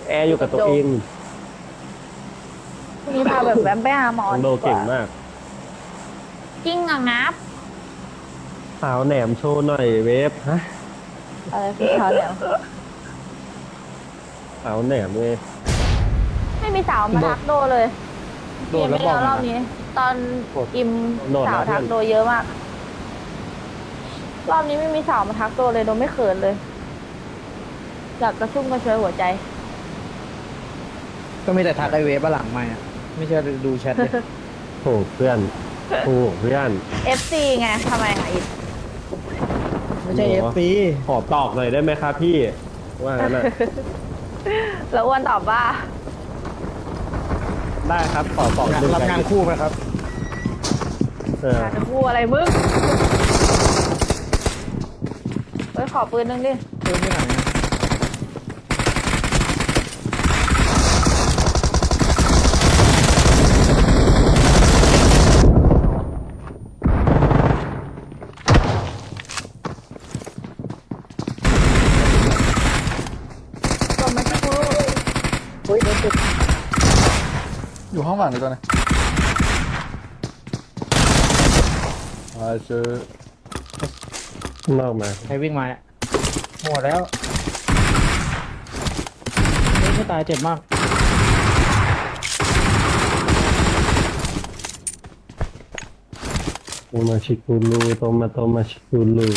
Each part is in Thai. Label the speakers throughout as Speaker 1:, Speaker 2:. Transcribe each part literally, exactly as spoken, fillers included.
Speaker 1: แอร์อยู่กับตัวเอง
Speaker 2: พรุ่งนี้พาแบบแวมไปหาหมอ
Speaker 1: น้องโด
Speaker 2: ดีกว่า
Speaker 1: เก่งมาก
Speaker 2: จริงอ่ะงับ
Speaker 1: สาวแหนมโชว์หน่อยเวฟฮะ
Speaker 2: อะไรคือเขาเนี่ย
Speaker 1: สาวแหนมเลย
Speaker 2: ไม่มีสาวมา
Speaker 3: โดด
Speaker 2: ทักโดเลย
Speaker 3: โด
Speaker 2: เก
Speaker 3: ดแล้ว
Speaker 2: มไม่
Speaker 3: บอกหน่อยนะ
Speaker 2: แล้วรอบนี้ ตอน
Speaker 3: โดด
Speaker 2: อิม
Speaker 1: โดด
Speaker 2: สาว
Speaker 1: นะเพื่อน
Speaker 2: ทักโดเยอะมากรอบนี้ไม่มีสาวมาทักโดเลยโดไม่เขินเลยอยากกระชุ่มกระชวยหัวใจ
Speaker 3: ก็มีแต่ทักไอเวฟหลังไม่อะไม่เชื่อดูแชทเลย
Speaker 1: โถูกเพื่อนถูกเพื่อน
Speaker 2: เอฟ ซี ไงทำไมอ่ะอิม
Speaker 3: ไม่ใช่เอฟซี
Speaker 1: ขอตอกหน่อยได้ไหมครับพี่ว่างั้นน่ะ
Speaker 2: แล้วอ้วนตอบว่า
Speaker 1: ได้ครับขอตอกดู
Speaker 3: รับงานคู่ไหมครับ
Speaker 1: เออ
Speaker 2: จะพูดอะไรมึงเฮ้ยขอปืนนึงดิ
Speaker 3: เพิ่มที่ไหนอะ
Speaker 2: กดมาที่กู
Speaker 3: เฮ้ยโดนตึก
Speaker 4: อยู่ห้องหลังเลยตัวนี้อ่าเจอ
Speaker 1: ข้างนอกมา
Speaker 3: ใครวิ่งมาเนี่ยหมดแล้วเฮ้ยไม่ตายเจ็บมาก
Speaker 1: โตมาชิกูรูโตมาโตมาชิกูรู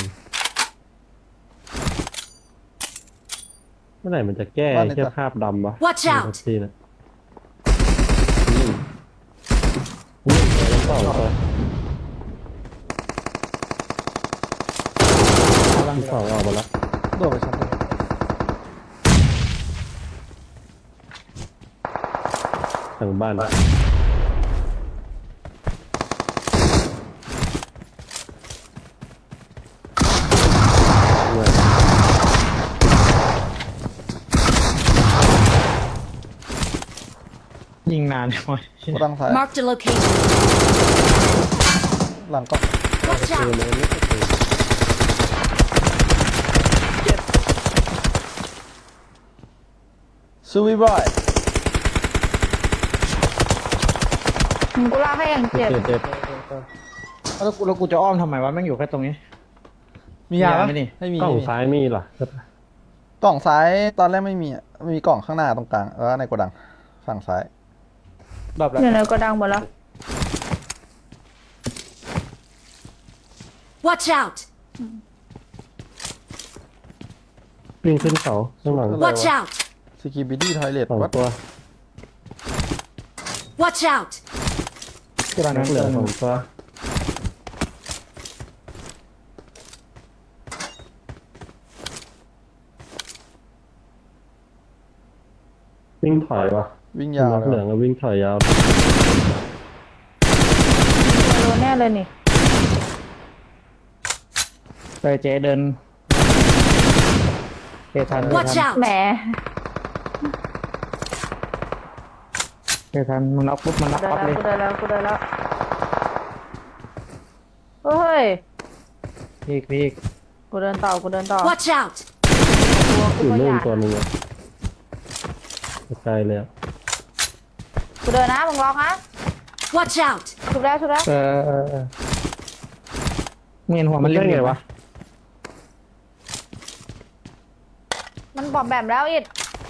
Speaker 1: เมื่อไหร่มันจะแก้แค่ภาพดำวะ
Speaker 5: Watch out
Speaker 1: ทีนะอืมอืมไปแล้วต่อไป
Speaker 3: กำลัง
Speaker 1: สองออกมาแล้ว
Speaker 4: โดดไปชั้นเลย
Speaker 1: ทางบ้าน
Speaker 3: ยิงนานจังวะ
Speaker 4: กดดังซ้าย
Speaker 5: Marked a location.
Speaker 4: หลังก็
Speaker 5: Watch
Speaker 1: เจอ
Speaker 5: out!
Speaker 1: เลยไม่เจอ
Speaker 4: ซูวิบอย
Speaker 2: มึงกูลากให้อย่างเจ็บ
Speaker 1: เจ็บเจ็บ
Speaker 3: แล้วกูแล้วกูจะอ้อมทำไมวะแม่งอยู่แค่ตรงนี้
Speaker 4: มียา
Speaker 3: มียา
Speaker 4: ปะ
Speaker 3: ไหมนี่
Speaker 4: ไม่มี
Speaker 1: กล้อง
Speaker 4: ไม่มี
Speaker 1: ซ้ายมีเหรอก
Speaker 4: ล่องซ้ายตอนแรกไม่มีอะมีกล่องข้างหน้าตรงกลางแล้วในโกดังฝั่งซ้าย
Speaker 3: รอบแล้ว
Speaker 2: อยู่ในโกดังหมดแล้ว
Speaker 5: Watch out!
Speaker 1: วิ่งขึ้นเขาข้างหลัง
Speaker 5: Watch out!
Speaker 4: สกีบิดี้ทอยเลท
Speaker 1: สอง
Speaker 4: วัด
Speaker 1: ตัว
Speaker 5: Watch out!
Speaker 3: กำลัง
Speaker 1: นั
Speaker 3: นั้
Speaker 1: ก
Speaker 3: น
Speaker 1: เหลือ
Speaker 3: เติม
Speaker 1: สองตัววิ่งถอยวะ
Speaker 4: วิ่งยาว
Speaker 1: นัก
Speaker 4: เล
Speaker 1: เหลือย งก็วิ่งถอยยาว
Speaker 2: โดนแน่เลยนี่
Speaker 3: ไปเจ๊เดินเตะทันเตะ
Speaker 5: Watch
Speaker 3: ทัน
Speaker 5: out!
Speaker 2: แหม
Speaker 3: เตะทันมึงน็อกปุ๊บมันน็อก
Speaker 2: เดิน
Speaker 3: ปั๊บ
Speaker 2: แล้ว
Speaker 3: เลย
Speaker 2: กูเดินแล้วกูเดินแล้วเฮ้ย
Speaker 3: พีกพีก
Speaker 2: กูเดินต่อกูเดินต่อ
Speaker 5: Watch out!
Speaker 2: ตัว
Speaker 1: อ
Speaker 2: กู
Speaker 1: ยู่
Speaker 2: ก็
Speaker 1: นู่
Speaker 2: อน ยาก
Speaker 1: ตัวหนึงอะไกลเลยอะ
Speaker 2: กูเดินนะมึงล็อกนะ
Speaker 5: Watch out!
Speaker 2: ชุบแล้วชุบแล้ว
Speaker 3: เออเออเออมึงเห็นหัวมัน
Speaker 1: ได้
Speaker 3: เล่น
Speaker 1: ไงวะ
Speaker 2: มันบอมแบมแล้วอิด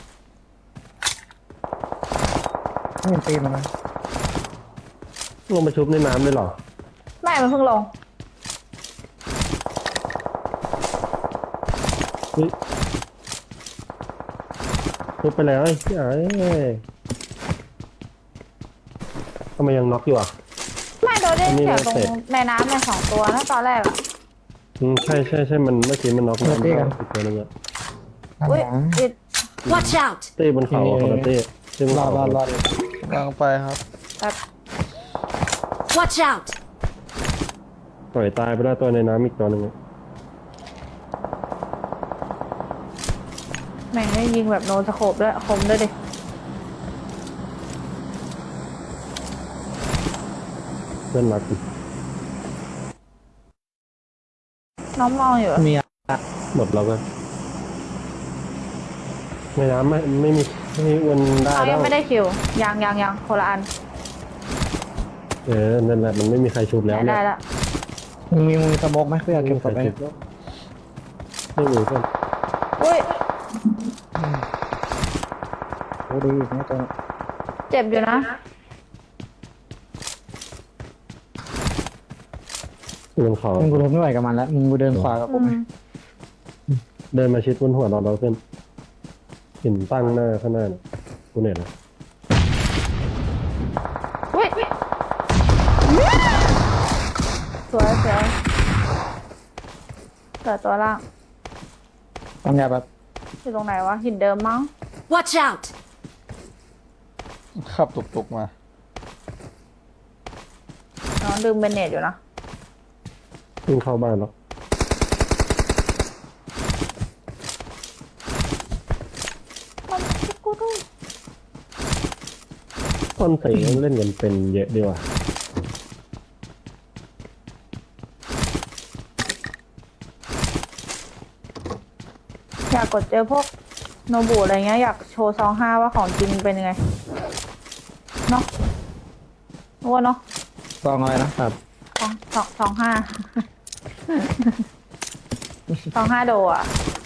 Speaker 3: ไม่เห็นตีนมันนะ
Speaker 1: ลงไปชุบในน้ำเลยเหรอ
Speaker 2: ไม่มันเพิ่งลง
Speaker 1: เฮ้ยชุบไปแล้วไอ้เอ้ยทำไมยังน็อกอยู่อ่ะ
Speaker 2: ไม่โดนได้
Speaker 1: อันนี้
Speaker 2: เสียงตรง
Speaker 1: เสร็จ
Speaker 2: ในน้ำในสองตัวนะตอนแรกอะ
Speaker 1: อืมใช่ใช่ใช่มันเมื่อกี้มันน็อกน้ำอีกตัวหนึงอะ
Speaker 2: อุ้ยอิด
Speaker 5: Watch out!
Speaker 1: เต้บนเขาอะคนละเต้เต้บน
Speaker 3: รอ
Speaker 1: เขา
Speaker 3: รอรอ
Speaker 4: กำลังไปครับ
Speaker 2: แบบ
Speaker 5: Watch out!
Speaker 1: ปล่อยตายไปแล้วตัวในน้ำอีกตัวหนึงอะ
Speaker 2: แม่งได้ยิงแบบโนสโคปด้วยคมด้วยดิ
Speaker 1: เพื่อนรักอีก
Speaker 2: น้องมองอยู่อะ
Speaker 3: มีอะ
Speaker 1: หมดแล้วก็ในน้ำไม่ไม่มีนี่มันได้
Speaker 2: เขา
Speaker 1: แล้
Speaker 2: ยั
Speaker 1: ว
Speaker 2: งไม่ได้คิวยังยังยังคนละอัน
Speaker 1: เออนั่นแหละมันไม่มีใครชุบแล้ว
Speaker 2: ได้
Speaker 1: เนี่ย
Speaker 2: ละ
Speaker 3: มึงมีมึงมีสโมกไหมเพื่อ
Speaker 1: ไม่
Speaker 3: เก็บ
Speaker 1: มี
Speaker 3: ศ
Speaker 1: ใคร
Speaker 3: พไป
Speaker 1: ชุบแล้วไม่มีเพื่อน
Speaker 2: อุ้ย
Speaker 3: โอ้ดีอีกนะตัวนี้
Speaker 2: เจ็บอยู่นะ
Speaker 1: บนเขา
Speaker 3: มึงกูทนไม่ไหวกับมันแล้วมึงกูเดินขวากับ
Speaker 2: อื
Speaker 3: กูไหม
Speaker 2: ม
Speaker 1: เดินมาชิดบนหัวเราเราเพื่อนหินตั้งหน้าข้างหน้าเนี่ยกูเนี่ยนะ
Speaker 2: อุ้ยสวยสวยเกิดตัวล่าง
Speaker 3: ทำยาแบบ
Speaker 2: อยู่ตรงไหนวะหินเดิมมั้ง
Speaker 5: Watch out!
Speaker 4: ขับตุกๆมา
Speaker 2: น้องดึงเบนเนตอยู่นะ
Speaker 1: วิ่งเข้าบ้านแล้ว
Speaker 2: มันชิกูดู
Speaker 1: คนใส่เล่นกันเป็นเยอะดีว่ะ
Speaker 2: อยากกดเจอพวกโนบุอะไรเงี้ยอยากโชว์ซองห้าว่าของจริงเป็นยังไงเนาะรู้ว่าเนาะ
Speaker 3: กองอะไรนะ
Speaker 1: ครับ
Speaker 2: สองสองสองห้า สองห้าโดอ่ะ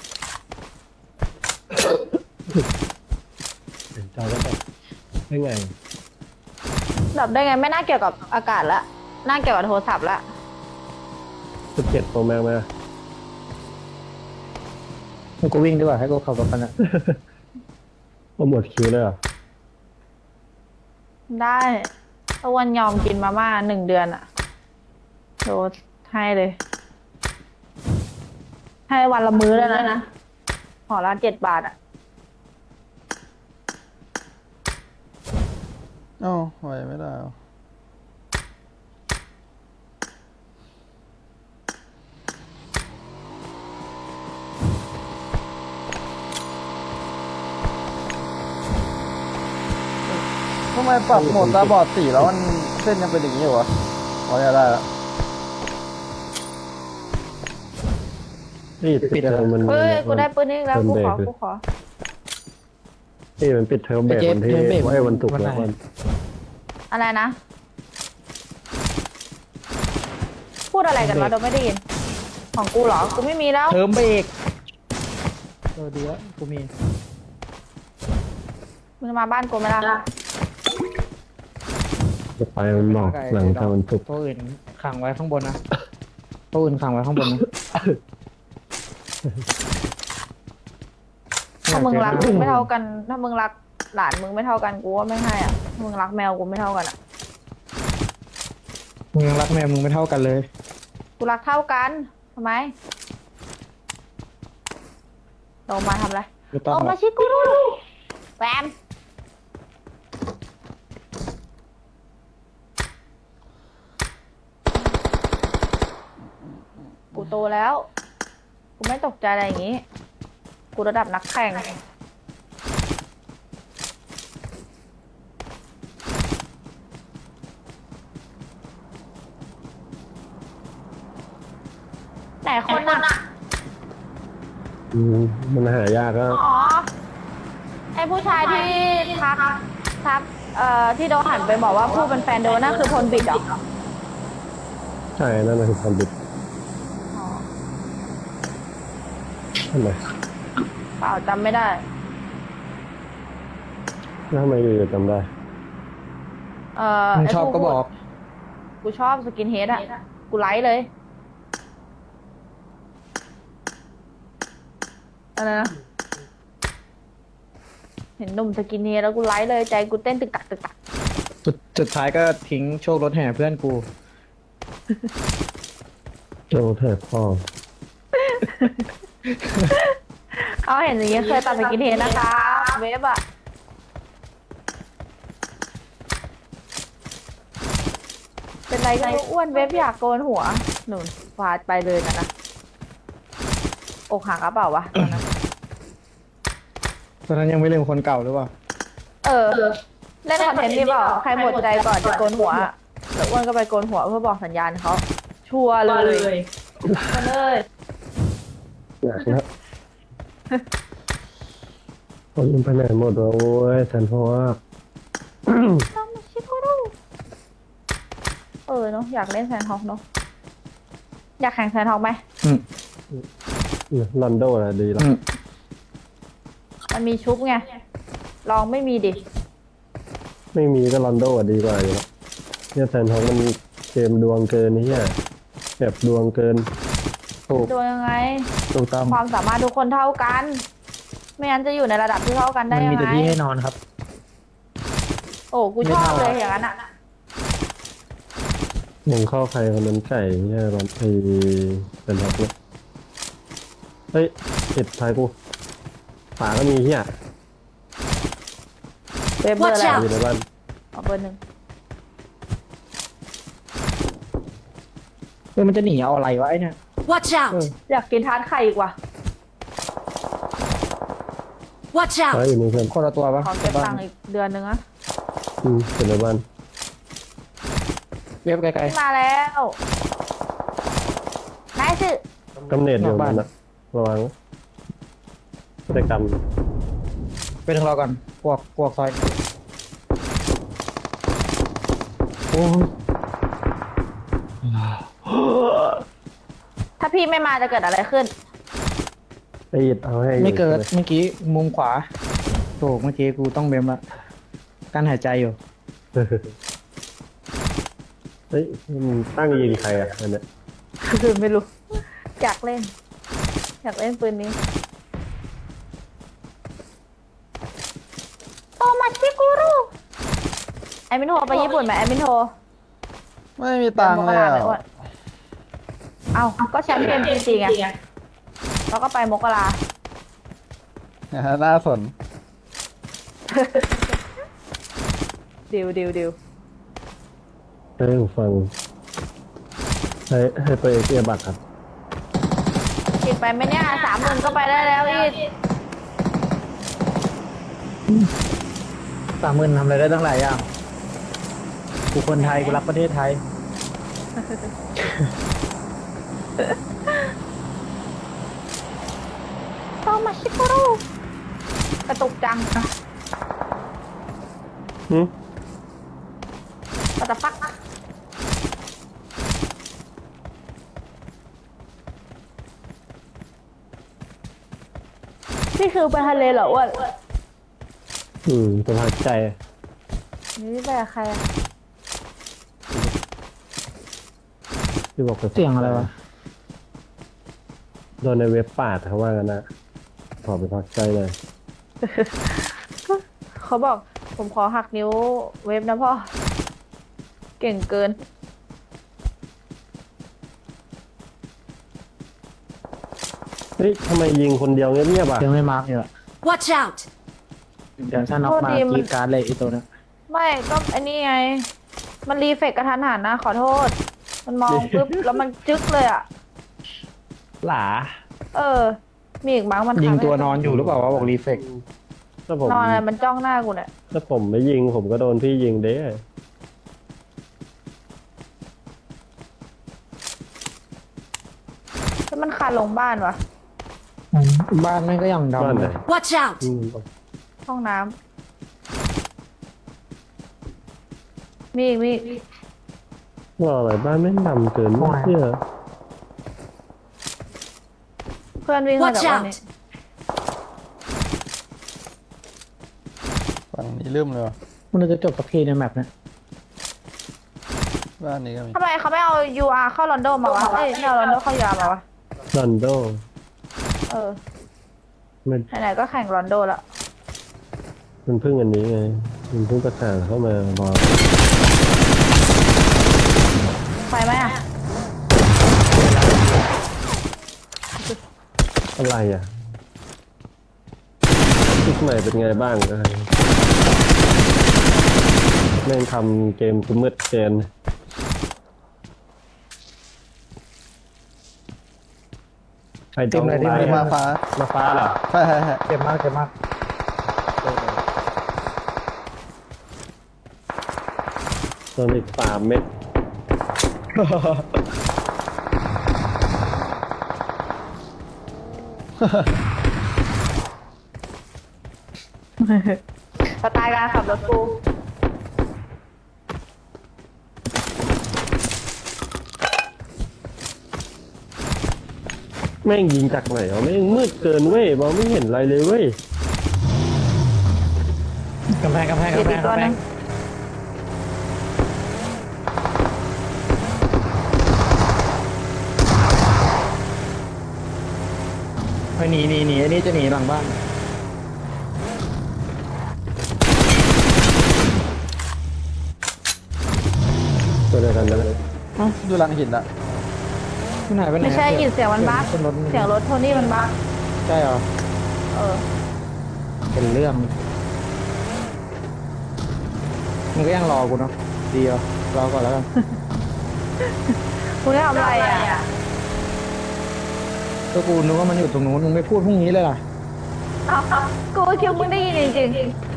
Speaker 1: เห็นเจ้าแล้วแบบได้ไง
Speaker 2: ดับได้ไงไม่น่าเกี่ยวกับอากาศละน่าเกี่ยวกับโทรศัพท์ละ
Speaker 1: สิบเจ็ดโปรแม็กมา
Speaker 3: มึงกูวิ่งดีกว่าให้กูขับรถกันนะ
Speaker 1: โปรโมทคิวเลยเหรอ
Speaker 2: ได้ตะวันยอมกินมาม่าหนึ่งเดือนอะโดนให้เลย ให้วันละมื้อแล้วนะห่อละเจ็ดบาทอะ
Speaker 4: เอ้าไหวไม่ได้เหรอทำไมปรับโหมดตาบอดสีแล้วมันเส้นยังเป็นอย่างนี้อยู่วะพอจะได้แล้ว
Speaker 1: นี่ปิดเทอมมัน
Speaker 2: เฮ้ย กูได้ปืนนี้แล้ว กูขอ กูขอ
Speaker 1: นี่มันปิดเทอมเบรกวันที่ไอ้วันศุกร์แล้ววัน
Speaker 2: อะไรนะ พูดอะไรกันวะเราไม่ได้ยิน ของกูเหรอ กูไม่มีแล้ว
Speaker 3: เทอมเบรกเออดีแล้วกูมี
Speaker 2: มึงมาบ้านกูไหมล่ะ
Speaker 1: จะไปมันบอกหลังจากวันศุกร์
Speaker 3: ตัวอื่นขังไว้ข้างบนนะตัวอื่นขังไว้ข้างบนนะ
Speaker 2: ถ้ามึงรักมึงไม่เท่ากัน ถ้ามึงรักหลานมึงไม่เท่ากันกูว่าไม่ให้อ่ะถ้ามึงรักแมวกูไม่เท่ากันอ่ะ
Speaker 3: มึงยังรักแม่มึงไม่เท่ากันเลย
Speaker 2: กูรักเท่ากันทำไมลงมาทำอะไร
Speaker 3: ไม่ต้อง
Speaker 2: ลง
Speaker 3: หร
Speaker 2: มา
Speaker 3: อก
Speaker 2: ชิกูแฟมกูโตแล้ว กูไม่ตกใจอะไรอย่างงี้ กูระดับนักแข่ง แต่คนน่ะ
Speaker 1: อืมมันหายากก็
Speaker 2: อ๋อ ไอผู้ชายที่ทักทัก เอ่อ ที่โดนหันไปบอกว่าพูดเป็นแฟนโดนนั่นคือพลบิดเหรอ
Speaker 1: ใช่นั่นคือความบิด
Speaker 2: อ๋อ
Speaker 1: ทำไม
Speaker 2: เปล่าจำไม่ได้
Speaker 1: แล้วทำไมอยู่ๆจำได้
Speaker 2: เอ่อ
Speaker 3: มึง
Speaker 2: ไอ้
Speaker 3: ชอบ
Speaker 2: ผู้
Speaker 3: ก็บอก
Speaker 2: กูชอบสกินเฮดอ่ะ กูไลค์เลย อะไรนะ เห็นหนุ่มสกินเฮดแล้วกูไลค์เลยใจกูเต้นตึกตักตึกตัก
Speaker 3: สุดสุดท้ายก็ทิ้งโชครถแห่เพื่อนกู
Speaker 1: โจเทพพ่อ
Speaker 2: เขาเห็นอย่างเงี้ยเคยตัดสกินเฮดนะคะ เวฟอ่ะ เป็นไรกันอ้วนเวฟอยากโกนหัว หนุนฟาดไปเลยนะนะอกหักกระเปล่าวะตอนนั้น
Speaker 3: ตอนนั้นยังไม่ลืมคนเก่าหรือเปล่า
Speaker 2: เออ เล่นคอนเทนต์นี่เปล่า ใครหมดใจก่อนจะโกนหัวอะแล้วอ้วนก็ไปโกนหัวเพื่อบอกสัญญาณเขา ชัวร์เลยมาเลย
Speaker 1: อยากนะเอายิงไปไหนหมดวะโอ้ยแสนพอก
Speaker 2: ทำมาชิโกรุเออเนาะอยากเล่นแซนด์ฮอกเนาะอยากแข่งแซนด์ฮอกไหม
Speaker 3: อืม
Speaker 1: ลอนโดอะดีแล้ว
Speaker 3: อืม
Speaker 2: มันมีชุบไงลองไม่มีดิ
Speaker 1: ไม่มีก็ลอนโดอะดีกว่าอยู่แล้วเนี่ยแสนพอกมันเกมดวงเกินนี่อ่ะแบบดวงเกิน
Speaker 3: ถูก
Speaker 2: ดูยังไง
Speaker 3: ถูกต้อง
Speaker 2: ความสามารถทุกคนเท่ากัน ไม่งั้นจะอยู่ในระดับที่เท่ากันได้
Speaker 3: มัน
Speaker 2: ยัง
Speaker 3: มีแต่
Speaker 2: ไง
Speaker 3: ที่ให้นอนครับ
Speaker 2: โอ้กูชอบเลยอย่างนั้นอะ
Speaker 1: มึงเข้าใครคนนั้นไก่เนี่ยมันไอแสนพอกเนี่ยเฮ้ยติดท้ายกูฝาก็มีเฮีย
Speaker 2: เบเบอร์อะไร
Speaker 5: Watch
Speaker 1: อยู่ในบ้าน
Speaker 2: เอาเบอร์หนึ่ง
Speaker 3: เออมันจะหนีเอาอะไรวะไอ้เนี่ย
Speaker 5: Watch out!
Speaker 2: อยากกินทานไข่อีกว่ะ
Speaker 5: Watch
Speaker 1: ฝา
Speaker 5: out!
Speaker 1: อยู่ในเพื่อน
Speaker 3: คนละตัวปะ
Speaker 2: ขอเก็บตังค์อีกเดือนนึงอะ
Speaker 1: อืมอยู่ในบ้าน
Speaker 3: เว็บไกล
Speaker 2: มาแล้วนายสิ
Speaker 1: กำเนิดอยู่นั่นนะระวังพฤติกรรม
Speaker 3: ๆไปถึงเราก่อนพวกพวกซอย
Speaker 1: โอ้ย
Speaker 2: ถ้าพี่ไม่มาจะเกิดอะไรขึ้น
Speaker 1: ไอ้อิดเอาให้อยู่
Speaker 3: ไม่เกิด
Speaker 1: ใช่ห
Speaker 3: เมื่อกี้มุมขวาถูกเมื่อกี้กูต้องเบมละการหายใจอยู่
Speaker 1: เฮ้ยมึงตั้งยิงใครอ่ะอันเนี้ย
Speaker 2: ไม่รู้ อยากเล่น อยากเล่นปืนนี้โตมาชิกุรุไอมินโทรไปญี่ปุ่นไหมไอมินโทร
Speaker 4: ไม่มีตังค์เลยอ่ะ
Speaker 2: มกราไหมอ้วนเอ้าก็แชมป์เปี้ยนจริงๆไงแล้วก็ไปมกรา
Speaker 4: น่าสน
Speaker 2: ดิวดิวดิว
Speaker 1: ให้ผมฟังให้ให้ไปเกียร์บัตรครับ
Speaker 2: อีกไปไหมเนี่ยสามหมื่นก็ไปได้แล้วอีก
Speaker 3: สามหมื่นทำอะไรได้ตั้งหลายอย่างกูคนไทยกูรักประเทศไทย
Speaker 2: โตมาชิกุรุกระตุกจัง
Speaker 1: หืม
Speaker 2: ก็จะฟักนี่คือไปทะเลเหรออ้วน
Speaker 1: อืมสภาพใจ
Speaker 2: นี่ไปกับใครอะ
Speaker 1: ที่บอกไป
Speaker 3: เสียงอะไรวะ
Speaker 1: โดนในเว็บปาดเขาว่ากันนะขอไปพักใจเลย
Speaker 2: เขาบอกผมขอหักนิ้วเว็บนะพ่อ เก่งเกิน
Speaker 1: เฮ้ยทำไมยิงคนเดียวเงียบๆอ่ะ
Speaker 3: ยังไม่มาร์กอยู่อะ
Speaker 5: Watch out!
Speaker 3: เดี๋ยวถ้าน็อก
Speaker 2: โทษ
Speaker 3: มา
Speaker 2: ทีมัน
Speaker 3: กรีดการ์ดเลยไอีตัวเนี้ย
Speaker 2: ไม่ก็ไอ้นี่ไง มันรีเฟกกระทันหันนะ ขอโทษ มันมองปุ๊บ แล้วมันจึ๊กเลยอ่ะ
Speaker 1: หลา
Speaker 2: เออ มีอีกมั้งมัน
Speaker 3: ยิง
Speaker 2: ทำให้
Speaker 3: ตัวนอนอยู่หรือเปล่าวะบอกรีเฟก
Speaker 1: ถ้าผม
Speaker 2: นอนอะไรมันจ้องหน้ากูเนี่ย
Speaker 1: ถ้าผมไม่ยิงผมก็โดนพี่ยิงเด้
Speaker 2: แล้วมันคานลงบ้านวะ
Speaker 3: บ้านแม่งก็ยัง
Speaker 1: บ้าน
Speaker 3: ดำ
Speaker 1: ไหน
Speaker 3: เลย
Speaker 5: Watch out!
Speaker 1: อืม
Speaker 2: ห้องน้ำมีอีกมีอีก
Speaker 1: ว่าอะไรบ้านไม่งดำเกินไม่เชื่อ
Speaker 2: เพื่อนวิ่งมา
Speaker 5: Watch
Speaker 2: จากวันนี้
Speaker 5: out!
Speaker 4: ฝั่งนี้ลืมเลยวะ
Speaker 3: มันจะจบกับพีในแมปเนี่ย
Speaker 4: บ้านนี้ก็มี
Speaker 2: ทำไมเขาไม่เอา ยู อาร์ เข้าลอนดอนมาวะ เอ้ยไม่เอาลอนดอนเข้า ยู อาร์ มาวะ
Speaker 1: ลอนโด
Speaker 2: เออ
Speaker 1: มัน
Speaker 2: ไหนๆก็แข่งลอนดอนละ
Speaker 1: มันเพิ่งอันนี้ไงมันเพิ่งประกาศเข้ามาบอก
Speaker 2: ไปไหมอ่ะ
Speaker 1: อะไรอ่ะชุดใหม่เป็นไงบ้างอะไรแม่งทำเกมกูมืดเกินใคร
Speaker 3: เต็มเลยเต็มเลย
Speaker 4: มาฟ้า
Speaker 1: มาฟ้าเหรอ
Speaker 4: ใช่ใช่ใช่
Speaker 3: เจ็บมากเจ็บมาก
Speaker 1: โดนอีกสามเม็ด
Speaker 2: สไตล์การขับรถกู
Speaker 1: แม่งยิงจากไหนวะแม่งมืดเกินเว้ยมองไม่เห็นอะไรเลยเว้ย
Speaker 3: กำแพงกำแพง
Speaker 2: เดี๋ยว
Speaker 3: กำแพ
Speaker 2: อี
Speaker 3: ง
Speaker 2: กตัว
Speaker 3: กำแพ
Speaker 2: นึ
Speaker 3: ง
Speaker 2: ง
Speaker 3: ไปหนีหนีหนีอันนี้จะหนีหลังบ้าน
Speaker 1: ตัวเดียวกันนะ
Speaker 4: ดูหลังหินอะ
Speaker 3: ที่ไหนไปไหน
Speaker 2: ไม่ใช่ยินเสียงมันบั๊ก
Speaker 3: ขึ้นรถ
Speaker 2: เสียงรถโทนี่มันบั๊ก
Speaker 3: ใช่เหรอ
Speaker 2: เออ
Speaker 3: เป็นเรื่องมึงก็ยังรอกูเนาะดีเหรอรอก่อนแล้วกัน
Speaker 2: คุณได้ทำอะไรอ่ะ
Speaker 3: ก็กูนึกว่ามันอยู่ตรงนู้นมึงไม่พูดพรุ่งนี้เลยล่ะ
Speaker 2: เอากูก็คิดว่ามึงได้ยินจริง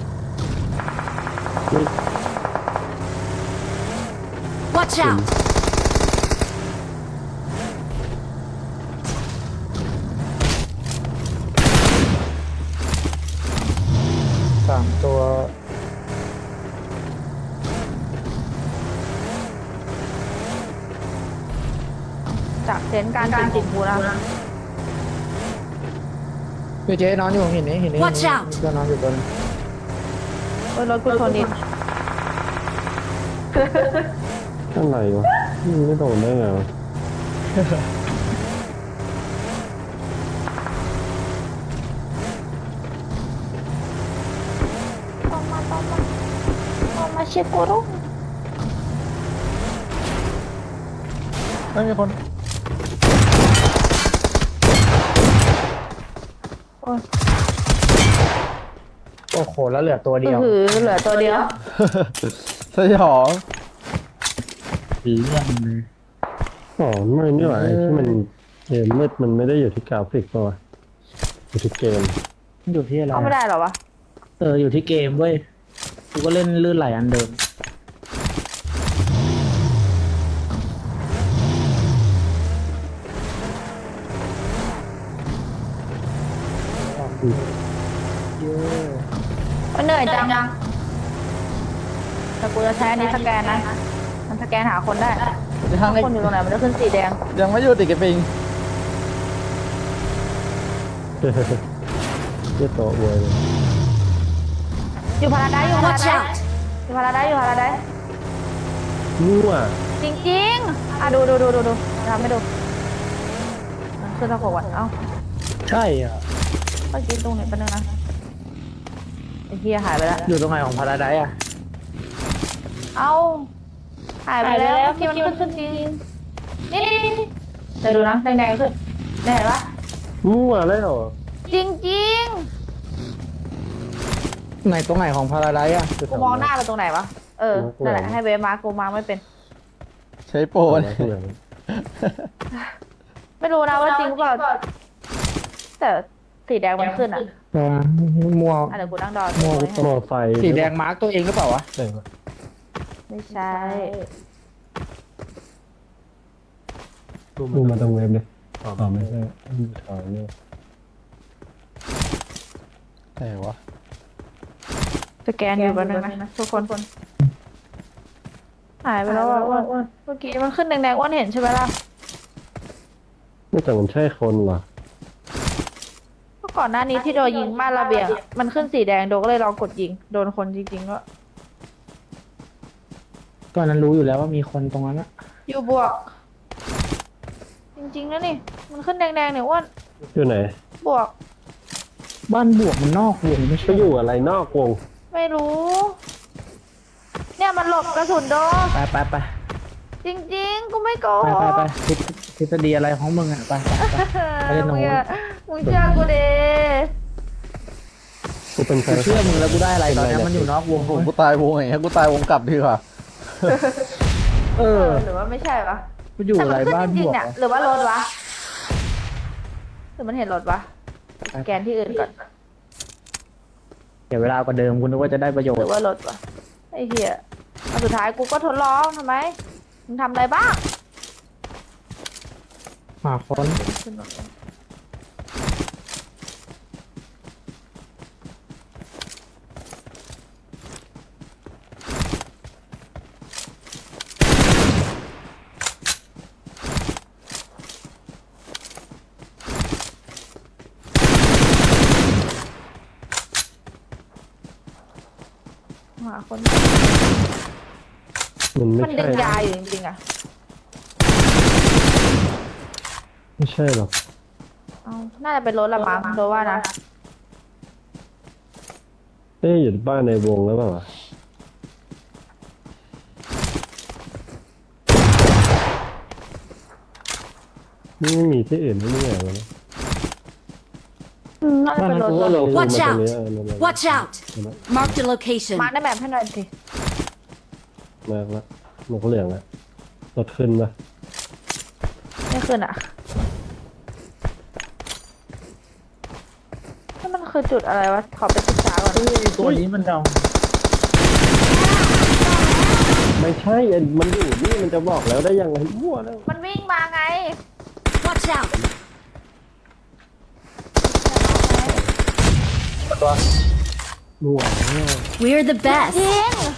Speaker 5: Watch out!
Speaker 3: สามตัว
Speaker 2: ๆจากเซนส์การจริงๆกูนะ
Speaker 3: เฮ้ยเจ๊นอนอยู่หินนี้หินนี้
Speaker 5: Watch out
Speaker 3: ก็นอนอยู่บน
Speaker 2: เออรถกูชนดิ
Speaker 1: อะไรวะยิงไม่โดนได้ไงวะ
Speaker 2: ต้องมาต้องมาต้องมาเช็คกูรุ่ง
Speaker 4: ไม่มีคน
Speaker 2: โอ้ย
Speaker 3: โอ้โหแล้วเหลือตัวเดียว
Speaker 2: หือเหลือตัวเดียว
Speaker 4: สยอง
Speaker 3: สีเรื่องเลย
Speaker 1: อ๋อไม่นี่หว่าไอ้ที่มันเกมมืดมันไม่ได้อยู่ที่กราฟิกป่ะวะอยู่ที่เกม
Speaker 3: มันอยู่ที่อะไร
Speaker 2: เข้าไม่ได้เหรอวะ
Speaker 3: เอออยู่ที่เกมเว้ยกูก็เล่นลื่นไหลอันเดิมเยอะ
Speaker 2: มันเหนื่อยจังแต่กูจะใช้อันนี้สแกนนะ มันสแกนหาคนได้
Speaker 4: ยังไม่
Speaker 2: คนอยู่ตรงไหนมันจะขึ้นสีแดง
Speaker 4: ยังไม่หยุดอีกไอ้ปิง
Speaker 1: เยี่ยโตะเวยเลย
Speaker 2: อยู่พาราไดซ์อยู่พารา
Speaker 5: Watch
Speaker 2: ไดซ์
Speaker 5: out!
Speaker 2: อยู่พาราไดซ์อยู่พาราไดซ์
Speaker 1: มั่ว
Speaker 2: จริงๆ อ่ะดูดูดูดูดูทำให้ดูขึ้นตะโขกวันเอ้า
Speaker 3: ใช่อ่ะ
Speaker 2: เมื่อกี้ตรงไหนเป็นนึงนะไอ้เฮียหายไปแล้ว
Speaker 3: อยู่ตรงไหนของพาราไดซ์อ่ะ
Speaker 2: เอ้าหายไปแล้วเมื่อกี้มันขึ้นขึ้นจริงนี่นี่นี่เดี๋ยวดูนะแดงๆขึ้นได้เห็นปะ
Speaker 1: มั่วแล้ว
Speaker 2: จริงจริง
Speaker 3: ไหนตรงไหนของพาราไดซ์อ่ะ
Speaker 2: ๆกูมองหน้าไปตรงไหนวะเออนั่นแหละให้เวฟมาร์คกูมาร์คไม่เป็น
Speaker 4: ใช้โปร
Speaker 1: โอ้ย
Speaker 4: เนี่ย
Speaker 2: ไม่รู้นะว่าจริงหรือเปล่าแต่สีแดงมันขึ้นอ่ะ
Speaker 3: เออมัว
Speaker 2: อ่ะเดี๋ยวกูนั่งดอ
Speaker 3: มัว
Speaker 1: มอไฟ
Speaker 3: สีแดงมาร์กตัวเองหรือเปล่าวะ
Speaker 1: ใช่ปะ
Speaker 2: ไม่ใช่
Speaker 1: ดูมาตรงเว็บเลยอ๋อไม่ใช่ดูถ่ายเนี่ย
Speaker 4: ไหนวะ
Speaker 2: สแกนอยู่แป๊บนึงนะทุกคนหายไปแล้วอ่ะอ้วนอ้วนเมื่อกี้มันขึ้นแดงๆอ้วนเห็นใช่ไหมล่ะ
Speaker 1: ไม่แต่มันใช่คนเหรอ
Speaker 2: เมื่อก่อนหน้านี้ที่โดนยิงบ้านระเบียงอะมันขึ้นสีแดงโดนก็เลยลองกดยิงโดนคนจริงๆก็
Speaker 3: ก่อนนั้นรู้อยู่แล้วว่ามีคนตรงนั้นอะ
Speaker 2: อยู่บวก จริงๆแล้วนี่ มันขึ้นแดงๆเนี่ยอ้วน
Speaker 1: อยู่ไหน
Speaker 2: บวก
Speaker 3: บ้านบวกมันนอกวงไม่
Speaker 1: ไป
Speaker 3: ใช่
Speaker 1: อยู่อะไรนอกวง
Speaker 2: ไม่รู้ เนี่ยมันหลบกระสุนโดน
Speaker 3: ไปไปไป
Speaker 2: จริงๆกูไม่โก
Speaker 3: ไป
Speaker 2: ห
Speaker 3: ไป
Speaker 2: ก
Speaker 3: ไปทฤษทฤษฎีอะไรของมึงอะไปไปไป ไปเล่นตรงนู้น
Speaker 2: มึงเชื่อกูดิ
Speaker 1: กูเป็นแฟ
Speaker 3: กู
Speaker 1: น
Speaker 3: เชื่อมึงแล้วกูได้อะไรตอนนี้มันอยู่นอกวง
Speaker 4: โอ้โหกูตายวงไงกูตายวงกลับดีกว่า
Speaker 3: เอ
Speaker 2: เอ
Speaker 3: อ
Speaker 2: อหรือว่าไม่ใช่ปะ
Speaker 3: กูอยู่
Speaker 2: แต่
Speaker 3: อะ
Speaker 2: มั
Speaker 3: ไร
Speaker 2: นขึ้น
Speaker 3: บ้าน
Speaker 2: จริ
Speaker 3: บ
Speaker 2: ง
Speaker 3: ว
Speaker 2: ๆ
Speaker 3: ก
Speaker 2: เนี่ย
Speaker 3: วะ
Speaker 2: หรือว่ารถวะหรือมันเห็นรถวะสแกนที่อื่นก่อน
Speaker 3: เดี๋ยวเวลากว่าเดิมกูนึกว่าจะได้ประโยช
Speaker 2: หรื
Speaker 3: น์
Speaker 2: อว่ารถวะไอ้เหี้ยเอาสุดท้ายกูก็ทดลองทำไมมึงทำอะไรบ้าง
Speaker 3: หาคน
Speaker 2: ขึ้นรถเลยหาคน
Speaker 1: มันไม่
Speaker 2: มันดึ
Speaker 1: ใช่
Speaker 2: งยาอยู่จริงๆอะ
Speaker 1: ไม่ใช่หรอก
Speaker 2: เอาน่าจะเป็นรถละมั้งโดยว่านะ
Speaker 1: เอ้ยอยู่บ้านในวงแล้วเปล่าวะนี่ไม่มีที่อื่นไม่มีอะไรนะ
Speaker 2: อืมน่าจะเป็นรถ
Speaker 1: บ้าน
Speaker 2: ร
Speaker 1: เรา
Speaker 2: ถ
Speaker 1: ก็ลง
Speaker 5: Watch
Speaker 1: มาตรง
Speaker 5: out
Speaker 1: นี้เออนั่นๆ
Speaker 5: Watch out! Marked a location.
Speaker 2: มาร์คได้แบบให้หน่อยสิ
Speaker 1: มากละหมวกเหลืองอะรถขึ้นปะ
Speaker 2: ไม่ขึ้นอ่ะนี่มันคือจุดอะไรวะ ขอไปศึกษาก่อน
Speaker 3: เฮ้ยตัวนี้มันดอง
Speaker 1: ไม่ใช่อันมันอยู่นี่มันจะบอกแล้วได้ยังไงมั่วแล้ว
Speaker 2: มันวิ่งมาไง
Speaker 5: Watch out!
Speaker 3: ตัว
Speaker 1: มั่วแล้ว
Speaker 5: We're the best.
Speaker 2: ยิง